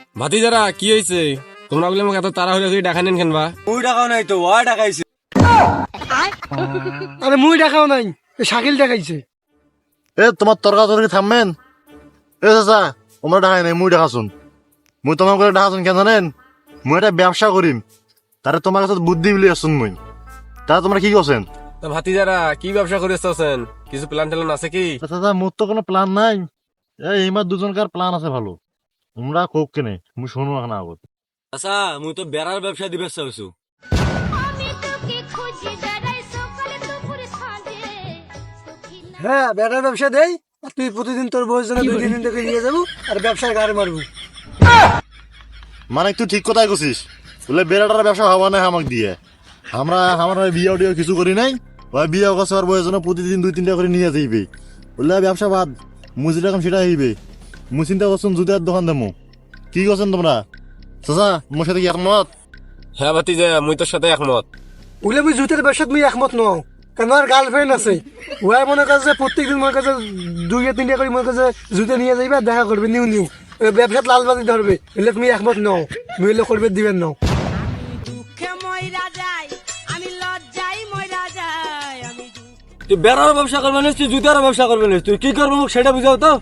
ভাতিজারা কি হয়েছে? তোমরা বলে আমাকে এত তাড়াহুড়ো করে ডাকা নেন কেন বা? মুই টাকাও নাই তো ওয়া টাকাইছে। আরে মুই দেখাও নাই, শাকিল দেখাইছে। এ তোমার তর্কাতর্কি থামবেন। এ চাচা তোমরা ডাকাই নাই, মুই ডাকাছুন। মুই তোমার করে ডাকাছুন কেন জানেন? মুই একটা ব্যবসা করিম, তারে তোমার কাছে বুদ্ধি বিলি আসুন মুই। তারা তোমরা কি করছেন? তা ভাতিজারা কি ব্যবসা করে আসতেছেন? কিছু প্ল্যান ট্যান আছে কি? চাচা মোর তো কোনো প্ল্যান নাই। এইমার দুজনকার প্ল্যান আছে ভালো, তোমরা কোক কেনে মুই শোনো না আগত। আচ্ছা মুই তো বেড়ার ব্যবসা দিবে চাইছো। হ্যাঁ, বেটার ব্যবসা দেই। আর তুই প্রতিদিন তোর বউয়ের জন্য 2 দিন থেকে নিয়ে যাবো আর ব্যবসার গাড়ি মারবো। মানে তুই ঠিক কথাই করছিস, বলে বেড়াটার ব্যবসা হওয়া নাই আমাকে দিয়ে। আমার বিয়ে টিয়ে কিছু করি নাই, ওই বিয়ে করছে আর বউয়ের জন্য প্রতিদিন 2-3টা করে নিয়ে যাইবে। বললে ব্যবসা বাদ, মুই যেটা কাম সেটা হইবে। মুই চিন্তা করছেন জুতার দোকান দেবো। কি করছেন তোমরা? চাচা মোর সাথে কি একমত? হ্যাঁ ভাতিজা, মুই তোর সাথে একমত। বলে মুই জুতের ব্যবসাত মুই একমত নও, কারণ আমার গার্লফ্রেন্ড আছে। ওয়াই মনে কাছে প্রত্যেকদিন মনে কাছে 2-3টা করে মনে কাছে জুতে নিয়ে যাইবে, দেখা করবে নিউ ব্যবসাত লালবাজি ধরবে। এলে তুমি একমত নও, মুই এলে করবে দিবেন নও। তুই বেড়ার ব্যবসা করবে না, তুই জুতার ব্যবসা করবে না, তুই কি করবো মুখ সেটা বুঝাও তো।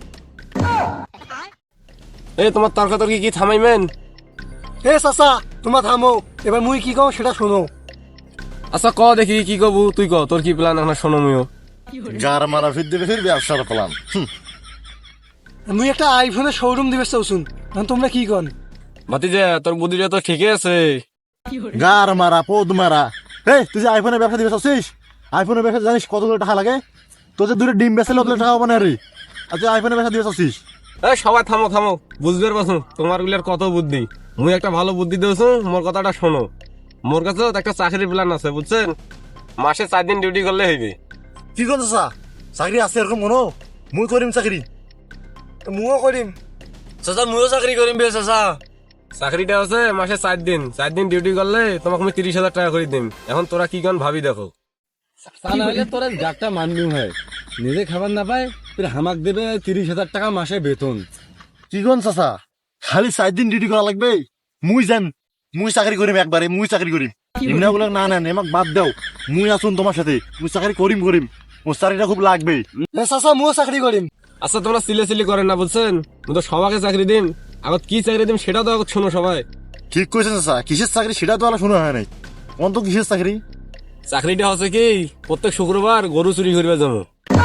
এই তোমার তর্কাতর্কি কি থামাইবেন? হে চাচা তোমার থামো, এবার মুই কি কও সেটা শোনো। আচ্ছা ক দেখি কি কবু, তুই ক তোর কি প্ল্যান এখন শোনো মুইও। গার মারা ফির দেবে ফির ব্যবসার প্ল্যান। মুই একটা আইফোনের শোরুম দিবে চাওছুন, এখন তোমরা কি কন? ভাতিজা তোর বুদ্ধিটা তো ঠিকই আছে। গার মারা পদ মারা। এই তুই যে আইফোনের ব্যবসা দিবে চাচ্ছিস, আইফোনের ব্যবসা জানিস কতগুলো টাকা লাগে? তোর যে 2টা ডিম বেচলে অত টাকা হবে না রে। আর তুই আইফোনের ব্যবসা দিবে চাচ্ছিস? এই সবাই থামো থামো, বুঝবে পারছো তোমার গুলার কত বুদ্ধি। মুই একটা ভালো বুদ্ধি দিয়েছো, মোর কথাটা শোনো। মোর কাছে একটা চাকরির প্ল্যান আছে বুঝছেন, মাসে 4 দিন ডিউটি করলে হইবে। কি করছো চা? চাকরি আছে এরকম মনো? মুই করিম চাকরি। মুও করিম। চাচা মুইও চাকরি করিম বে চাচা। চাকরিটা আছে মাসে 4 দিন, 4 দিন ডিউটি করলে তোমাকে আমি 30,000 টাকা করে দিম। এখন তোরা কি কন ভাবি দেখো। তা না হলে তোরা গাটটা মানবি হয়, নিজে খাবার না পায় তুই হামাক দেবে 30,000 টাকা মাসে বেতন। কি কোন চাচা খালি 4 দিন ডিউটি করা লাগবে? মুই যান, মুই চাকরি করিম একবারে, মুই চাকরি করিম। এমনি বলে না না এমাক বাদ দাও, মুই আসুন তোমার সাথে, মুই চাকরি করিম। মোর চাকরিটা খুব লাগবে। হে চাচা মুও চাকরি করিম। আচ্ছা তোমরা সিলে করেন না বুঝছেন, আমি তো সবাইকে চাকরি দিম। আগত কি চাকরি দিম সেটা তো আগত শোনো সবাই। ঠিক কইছেন চাচা, কিসের চাকরি সেটা তো আলা শোনা হয় নাই। কোন তো কিসের চাকরি? চাকরিটা হচ্ছে কি, প্রত্যেক শুক্রবার গরু চুরি করবে যাবো।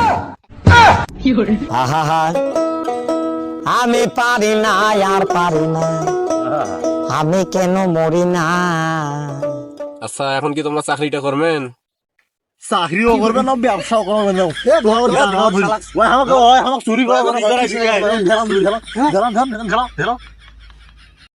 আমি পারি না আর পারি না, আমি কেন মরি না। আচ্ছা এখন কি তোমরা চাকরিটা করবেন? চাকরিও করবে না ব্যবসাও করবে না। চুরি করা